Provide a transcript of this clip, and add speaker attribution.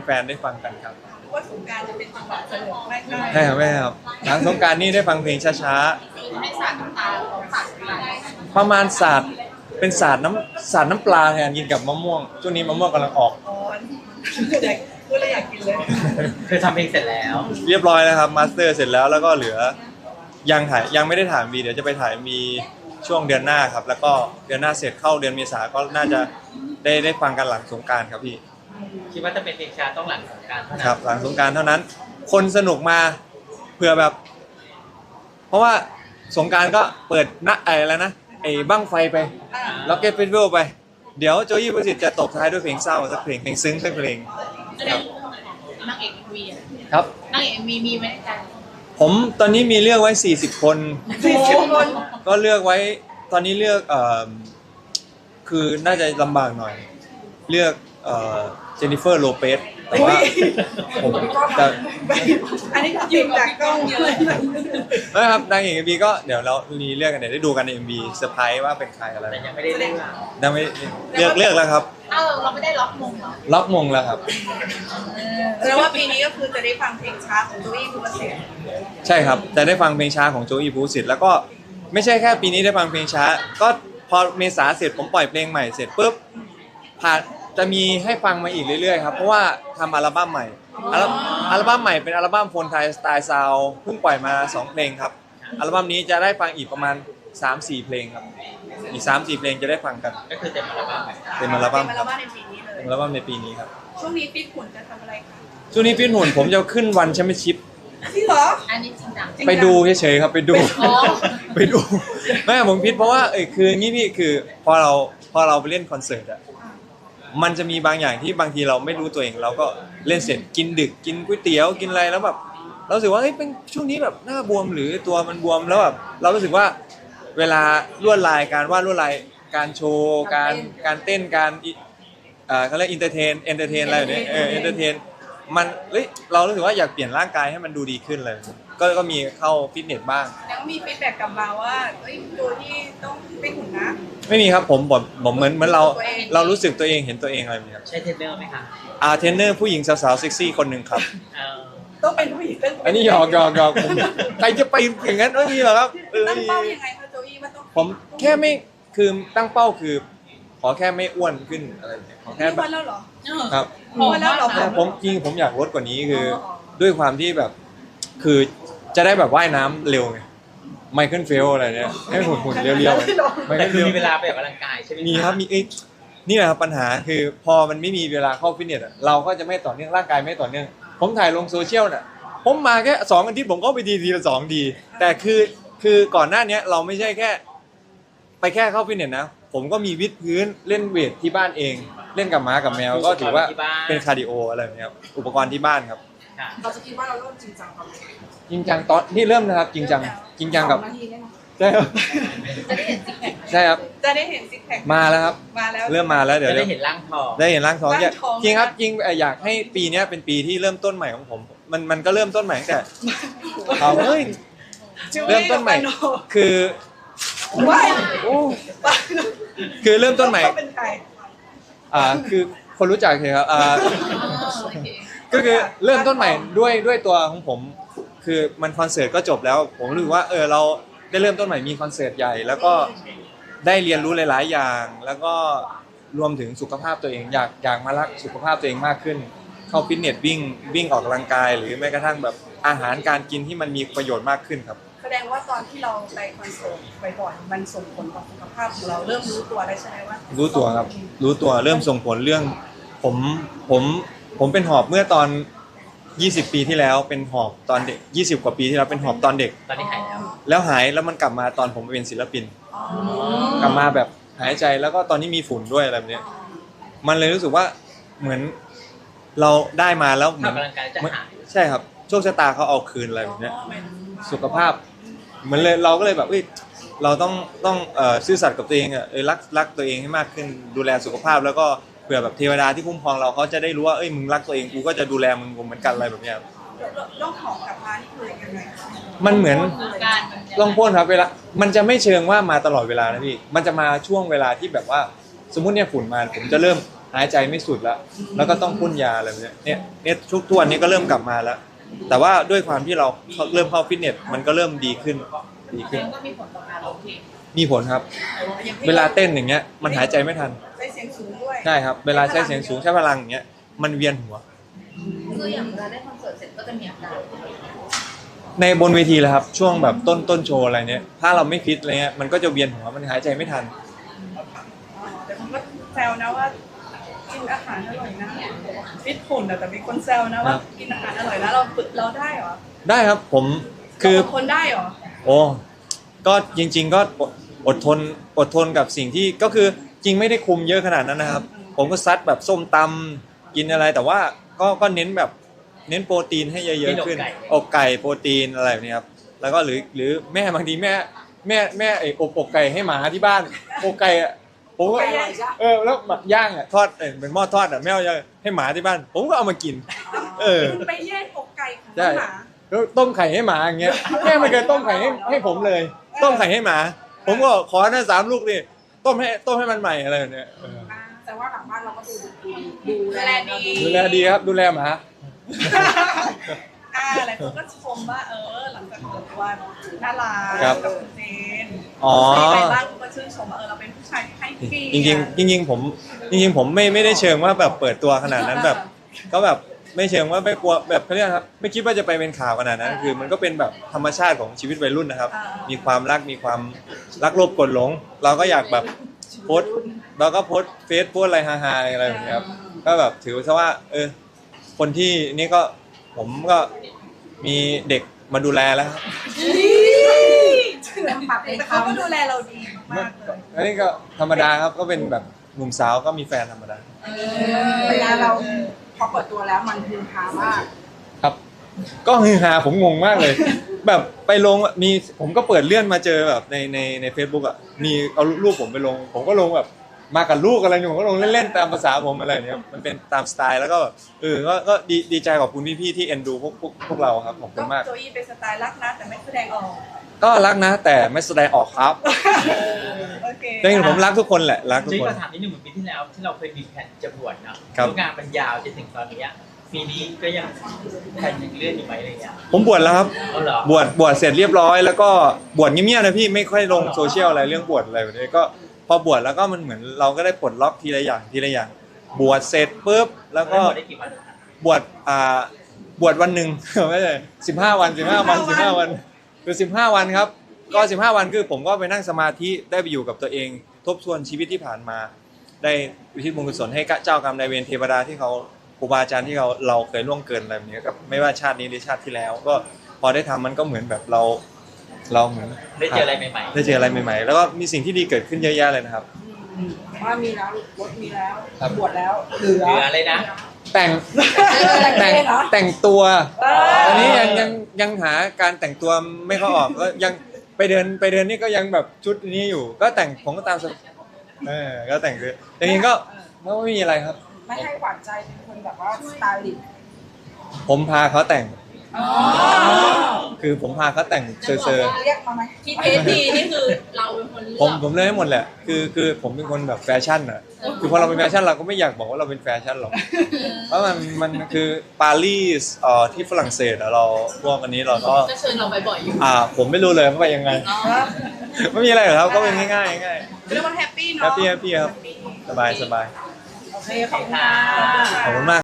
Speaker 1: ฟนๆได้ฟังกันครับ
Speaker 2: ว่าสงกรานต์จะเป็นจังหวะสนุกไม่ใช่
Speaker 1: ใช่ครับแม่ครับหลังสงกรานต์นี่ได้ฟังเพลงช้า
Speaker 2: ให้สาดน้ำตาของสาดอะไร
Speaker 1: ๆประมาณศาสตร์เป็นศาสตร์น้ำปลาแทนกินกับมะม่วงช่วงนี้มะม่วงกำลังออก
Speaker 2: อ๋ออยากพูดแล้วอยากกินเลย
Speaker 3: คือทำเพลงเสร็จแล้ว
Speaker 1: เรียบร้อยแล้วครับมาสเตอร์เสร็จแล้วแล้วก็เหลือยังไม่ได้ถ่ายมีเดี๋ยวจะไปถ่ายมีช่วงเดือนหน้าครับแล้วก็เดือนหน้าเสร็จเข้าเดือนเมษาก็น่าจะได้ฟังกันหลังสงกรานต์ครับพี่
Speaker 3: คิดว่าจะเป็นเพลงช้าต้องหลังสงกรานต์เท่านั้น
Speaker 1: ครับหลังสงกรานต์เท่านั้นคนสนุกมาเผื่อแบบ เพราะว่าสงกรานต์ก็เปิดอะไรนะไอ้บั้งไฟไปแล้วเก็ตเฟสติวัลไปเดี๋ยวโจยี่ประสิทธิ์จะตบท้ายด้วยเพลงเศร้าสักเพลงซึ้งสักเพลงครับ
Speaker 2: นางเอกมี
Speaker 1: ครับ
Speaker 2: นางเอกมีไหมในใจ
Speaker 1: ผมตอนนี้มีเลือกไว้40 คน
Speaker 2: 40 คน
Speaker 1: ก็เลือกไว้ตอนนี้เลือกคือน่าจะลำบากหน่อยเลือกเจนนิเฟอร์โลเปซแต่ว่าผมแต่
Speaker 2: อันนี้ยืมจากกล้องเยอะ
Speaker 1: นะครับนางเอก MV ก็เดี๋ยวเรามีเลือกกันเดี๋ยวได้ดูกันใน MV เซอร์ไพรส์ว่าเป็นใครอะไร
Speaker 3: แต่ยังไม่ได้เลือก
Speaker 1: ยังไม่เลือกแล้วครับ
Speaker 2: เราไม่ได้ล็อกมงเหรอ
Speaker 1: ล็อกมงแล้วครับ
Speaker 2: แล้วว่าปีนี้ก็คือจะได้ฟังเพลงช้าของโจอี้ภูวศิษฐ์
Speaker 1: ใช่ครับจะได้ฟังเพลงช้าของโจอี้ภูวศิษฐ์แล้วก็ไม่ใช่แค่ปีนี้ได้ฟังเพลงช้าก็พอเมษาเสร็จผมปล่อยเพลงใหม่เสร็จปุ๊บผ่านจะมีให้ฟังมาอีกเรื่อยๆครับเพราะว่าทำอัลบั้มใหม่อัลบั้มใหม่เป็นอัลบั้มโฟนไทยสไตล์ซาวเพิ่งปล่อยมา2เพลงครับอัลบั้มนี้จะได้ฟังอีกประมาณ 3-4 เพลงครับอีก 3-4 เพลงจะได้ฟังกัน
Speaker 3: ก็คือเต็มอัลบั้ม
Speaker 1: เต็มอัลบั้ม
Speaker 2: ในปีนี้เลย
Speaker 1: เต็มอัลบั้มในปีนี้ครับ
Speaker 2: ช่วงนี้ฟิตหุ่นจะทำอะไรคะ
Speaker 1: ช่วงนี้ฟิตหุ่นผมจะขึ้นวันแชมเปี้ยนชิพ
Speaker 2: จริงเหรออันนี้จริงจัง
Speaker 1: ไปดูเฉยๆครับไปดูไปดูไม่ผมพิดเพราะว่าคืองี้พี่คือพอเราไปเล่นคอนเสิร์ตอะมันจะมีบางอย่างที่บางทีเราไม่รู้ตัวเองเราก็เล่นเสร็จกินดึกกินก๋วยเตี๋ยวกินอะไรแล้วแบบเรารู้สึกว่าเป็นช่วงนี้แบบหน้าบวมหรือตัวมันบวมแล้วแบบเรารู้สึกว่าเวลาลวดลายการวาดลวดลายการโชว์การเต้นการเขาเรียกเอนเตอร์เทนอะไรแบบนี้เอนเตอร์เทนมันเรารู้สึกว่าอยากเปลี่ยนร่างกายให้มันดูดีขึ้นเลยก็มีเข้าฟิตเนสบ้าง
Speaker 2: แล้วมีฟีดแบ็กกลับมาว่าตัวที่ต้องฟิตหุ่นนะ
Speaker 1: ไม่มีครับผมเหมือนเรารู้สึกตัวเองเห็นตัวเองอะไรแบบนี้ครับ
Speaker 3: ใช่เทรนเนอร์ไหมคะ
Speaker 1: เทรนเนอร์ผู้หญิงสาวๆเซ็กซี่คนหนึ่งครับ
Speaker 2: ต้องเป็นผู้หญิง
Speaker 1: อันนี้หยอกผมใครจะไปอย่างนั้นไม่มีหรอกครับ
Speaker 2: ตั้งเป้ายังไงคะโจอี้มันต้อง
Speaker 1: ผมแค่ไม่คือตั้งเป้าคือขอแค่ไม่อ้วนขึ้นอะไรอย่างเงี้ยขอแค่
Speaker 2: แบบแล้วเหรอ
Speaker 1: ครับ
Speaker 2: แล้วเหรอ
Speaker 1: ผมจริงผมอยากลดกว่านี้คือด้วยความที่แบบคือจะได้แบบว่ายน้ำเร็วไงไมเคิลเฟลอะไรเนี่ยให้หุ่นเรียวๆ
Speaker 3: แต่คือมีเวลาไปออกกำลังกายใช่ไหม
Speaker 1: มีครับมีนี่แหละครับปัญหาคือพอมันไม่มีเวลาเข้าฟิตเนสเราก็จะไม่ต่อเนื่องร่างกายไม่ต่อเนื่องผมถ่ายลงโซเชียลน่ะผมมาแค่2 อาทิตย์ผมก็ไปทีละ2ดีแต่คือก่อนหน้านี้เราไม่ใช่แค่ไปแค่เข้าฟิตเนสนะผมก็มีวิดพื้นเล่นเวทที่บ้านเองเล่นกับหมากับแมวก็ถือว่าเป็นคาร์ดิโออะไรแบบนี้ครับอุปกรณ์ที่บ้านครับ
Speaker 2: เราจะคิดว่าเราเริ่มจริงจังครับ
Speaker 1: จริงจังตอนที่เริ่มนะครับจริงจังกับใช่ครับ
Speaker 2: จะได้เห็นซิกแพค
Speaker 1: ใช่ครับ
Speaker 2: จะได้เห็นซิกแพค
Speaker 1: มาแล้วครับเริ่มมาแล้วเดี๋ยว
Speaker 3: ได้เห็นร่างทอง
Speaker 1: จริงครับจริงอยากให้ปีนี้เป็นปีที่เริ่มต้นใหม่ของผมมันก็เริ่มต้นใหม่ตั้งแต่เริ่มต้นใหม่คือคือเริ่มต้นใหม่คือคนรู้จักใช่ครับก็คือเริ่มต้นใหม่ด้วยตัวของผมคือมันคอนเสิร์ตก็จบแล้วผมรู้ว่าเราได้เริ่มต้นใหม่มีคอนเสิร์ตใหญ่แล้วก็ได้เรียนรู้หลายๆอย่างแล้วก็รวมถึงสุขภาพตัวเองอยากมารักสุขภาพตัวเองมากขึ้นเข้าฟิตเนสวิ่งออกกำลังกายหรือแม้กระทั่งแบบอาหารการกินที่มันมีประโยชน์มากขึ้นครับ
Speaker 2: แสดงว่าตอนที่เราไปคอนเสิร์ตบ่อยๆมันส่งผลต่อสุขภาพของเราเริ่มรู้ตัวได้ใช่ไหมว่า
Speaker 1: รู้ตัวครับรู้ตัวเริ่มส่งผลเรื่องผมเป็นหอบเมื่อตอน20 ปีที่แล้วเป็นหอบตอนเด็ก20 กว่าปีที่แล้วเป็นหอบตอนเด็ก
Speaker 3: ตอนนี้หายแล้ว
Speaker 1: หายแล้วมันกลับมาตอนผมเป็นศิลปินกลับมาแบบหายใจแล้วก็ตอนนี้มีฝุ่นด้วยอะไรแบบนี้มันเลยรู้สึกว่าเหมือนเราได้มาแล้วเหมือนใช่ครับโชคชะตาเขาเอาคืนอะไรแบบนี้สุขภาพเหมือนเลยเราก็เลยแบบเราต้องซื่อสัตย์กับตัวเองรักตัวเองให้มากขึ้นดูแลสุขภาพแล้วก็เผื่อแบบเทวดาที่คุ้มครองเราเขาจะได้รู้ว่ามึงรักตัวเองกูก็จะดูแลมึงเหมือนกันอะไรแบบนี้
Speaker 2: ต้องหอบกลับมานี่คือยังไง
Speaker 1: มันเหมือนลองพ่นครับเวลามันจะไม่เชิงว่ามาตลอดเวลานะพี่มันจะมาช่วงเวลาที่แบบว่าสมมุติเนี่ยฝุ่นมาผมจะเริ่มหหายใจไม่สุดแล้วก็ต้องพ่นยาอะไรแบบเนี้ยเนี่ยทุกวันนี้ก็เริ่มกลับมาแล้ว แต่ว่าด้วยความที่เราเริ่มเข้าฟิตเนสมันก็เริ่มดีขึ้น
Speaker 2: ก็มีผลต่อการร้องเพลง
Speaker 1: มีผลครับ เวลาเต้นอย่างเงี้ยมันหายใจไม่ทัน
Speaker 2: ใช้เสียงสูงด้วย
Speaker 1: ใช่ครับเวลาใช้เสียงสูงใช้พลังอย่างเงี้ยมันเวียนหัว
Speaker 4: คืออย่างเวลาได้คอนเสิร์ตเสร็จก็จะมีอาการ
Speaker 1: ในบนเวทีเลยครับช่วงแบบต้นโชว์อะไรเนี้ยถ้าเราไม่ฟิตอะไรเงี้ยมันก็จะเวียนหัวมันหายใจไม่ทัน
Speaker 2: แต่ผมก็แซวนะว่ากินอาหารอร่อยนะฟิตหุ่นแต่มีคนแซวนะว่ากินอาหารอร่อยแล้วเราฝึกเราได้เหรอ
Speaker 1: ได้ครับผมคือ
Speaker 2: คนได้เหรอ
Speaker 1: โอ้ก็จริงๆก็อดทนกับสิ่งที่ก็คือจริงไม่ได้คุมเยอะขนาดนั้นนะครับ ผมก็ซัดแบบส้มตำกินอะไรแต่ว่าก็เน้นแบบเน้นโปรตีนให้เยอะๆขึ้นอกไก่โปรตีนอะไรแบบนี้ครับแล้วก็หรือแม่บางทีแม่ไอ้อกไก่ให้หมาที่บ้านอกไก่อะผมก็แล้วหมักย่างอ่ะทอดเป็นหม้อทอดอ่ะแม่เอาให้หมาที่บ้าน ผมก็เอามากิน
Speaker 2: คุณไปแย่งอกไก่ของ
Speaker 1: ใช่
Speaker 2: หมา
Speaker 1: แล้วต้มไข่ให้หมาอย่างเงี้ยแม่ไม่เคยต้มไข่ให้ผมเลย ต้มไข่ให้หมา ผมก็ขอนะ3 ลูกดิต้มให้มันใหม่อะไรแบบเนี้ย
Speaker 2: แต่ว่าหลังบ้านเราก็ดูแลดี
Speaker 1: ดูแลดีครับดูแลหมา
Speaker 2: หลายคนก็ชมว่าหลังจากเปิดตัวน่ารัก
Speaker 1: ครับ
Speaker 2: กับคุณเจน
Speaker 1: อ๋อ
Speaker 2: มีใครบ้างก็ชื่นชมว่าเราเป็นผู้ชายที่ให้เกียรติ
Speaker 1: จริงๆผมไม่ได้เชิงว่าแบบเปิดตัวขนาดนั้นแบบ ก็แบบไม่เชิงว่าไม่กลัวแบบเขาเรียกครับไม่คิดว่าจะไปเป็นข่าวขนาดนั้น คือมันก็เป็นแบบธรรมชาติของชีวิตวัยรุ่นนะครับ มีความรักมีความรักโลภกดหลง เราก็อยากแบบโพสต์เราก็โพสต์เฟซโพสต์อะไรฮาๆอะไรแบบนี้ครับก็แบบถือซะว่าคนที่นี่ก็ผมก็มีเด็กมาดูแลแล้วครับ
Speaker 2: แต่เขาก็ดูแลเราดีมากเลย
Speaker 1: อันนี้ก็ธรรมดาครับก็เป็นแบบหนุ่มสาวก็มีแฟนธรรมดา
Speaker 5: เวลาเราพอเปิดตัวแล้วมันฮือฮามาก
Speaker 1: ครับ ก็ฮือฮาผมงงมากเลย แบบไปลงมีผมก็เปิดเลื่อนมาเจอแบบใน Facebook อ่ะมีเอารูปผมไปลง ผมก็ลงแบบมากับลูกอะไรอยู่ผมก็ลงเล่นๆตามภาษาผมอะไรเนี้ยมันเป็นตามสไตล์แล้วก็แบบก็ดีใจขอบคุณพี่ๆที่เอ็นดูพวกเราครับขอบคุณมาก
Speaker 2: โจอี้เป็นสไตล์รักนะแต่ไม่แสดงออก
Speaker 1: ก็รักนะแต่ไม่แสดงออกครับ
Speaker 2: โอเค
Speaker 1: จริงๆผมรักทุกคนแหละรักทุก
Speaker 3: จริง
Speaker 1: คน
Speaker 3: ก็ถามนิดนึงเหมือนปีที่แล้วที่เราเคยมีแผนจะบวชเนาะ
Speaker 1: ครับ
Speaker 3: แล้วงานมันยาวจนถึงตอนนี้ปีนี้ก็ยังแผนยังเลื่อนอยู่ไหมอะไรเงี้ย
Speaker 1: ผมบวชแล้วครับ
Speaker 3: เอาเหรอบ
Speaker 1: วชเสร็จเรียบร้อยแล้วก็บวชเงียบๆนะพี่ไม่ค่อยลงโซเชียลอะไรเรื่องบวชอะไรแบบนี้ก็พอบวชแล้วก็มันเหมือนเราก็ได้ปลดล็อกทีละอย่างบวชเสร็จปุ๊บแล้วก็
Speaker 3: ได้กี่วัน
Speaker 1: บวชวันหนึ่ง ไม่ใช่15 วันคือ15 วันครับก็15 วันคือผมก็ไปนั่งสมาธิได้ไปอยู่กับตัวเองทบทวนชีวิตที่ผ่านมา ได้อุทิศบุญกุศลให้เจ้ากรรมนายเวรเทวดาที่เขาครูบาอาจารย์ที่เราเคยล่วงเกินอะไรแบบนี้กับไม่ว่าชาตินี้หรือชาติที่แล้ว ก็พอได้ทำมันก็เหมือนแบบเราเหมือน
Speaker 3: ได้เจออะไรใหม่
Speaker 1: ได้เจออะไรใหม่ๆ แล้วก็มีสิ่งที่ดีเกิดขึ้นเยอะแยะเลยนะครับ
Speaker 5: ว่ามีแล้วรถมีแล้ว
Speaker 1: ครับ
Speaker 5: บวชแล้วเหลือ
Speaker 3: เหลืออะไรนะ
Speaker 1: แต่งตัวอันนี้ยังหาการแต่งตัวไม่เข้าออกก็ยังไปเดินนี่ก็ยังแบบชุดนี้อยู่ ก็แต่งผมก็ตามก็แต่งคือแต่จริงๆก็ไม่มีอะไรครับ
Speaker 5: ไม่ให้หวานใจเป็นคนแบบว่าสไตลิสต์
Speaker 1: ผมพาเขาแต่ง คือผมพาเขาแต่งเซอร์
Speaker 5: เรียกมาไหม
Speaker 4: ที่เพจดีนี่คือเราเป็นคนเลือก
Speaker 1: ผมเลยให้หมดแหละคือผมเป็นคนแบบแฟชั่นอ่ะคือพอเราเป็นแฟชั่นเราก็ไม่อยากบอกว่าเราเป็นแฟชั่นหรอกเพราะมันคือปารีสที่ฝรั่งเศสอะเราพวกอันนี้เราก็
Speaker 4: ก็เชิญเราไปบ่อยอยู่
Speaker 1: ผมไม่รู้เลยว่าไปยังไง ไม่มีอะไรหรอกครับก็เป็นง่ายๆง่าย
Speaker 2: เรียกว่าแฮปปี้
Speaker 1: ๆ
Speaker 2: เนาะ
Speaker 1: แฮปปี้ครับสบาย
Speaker 5: โอเคขอบคุณค่ะ
Speaker 1: ขอบคุณมาก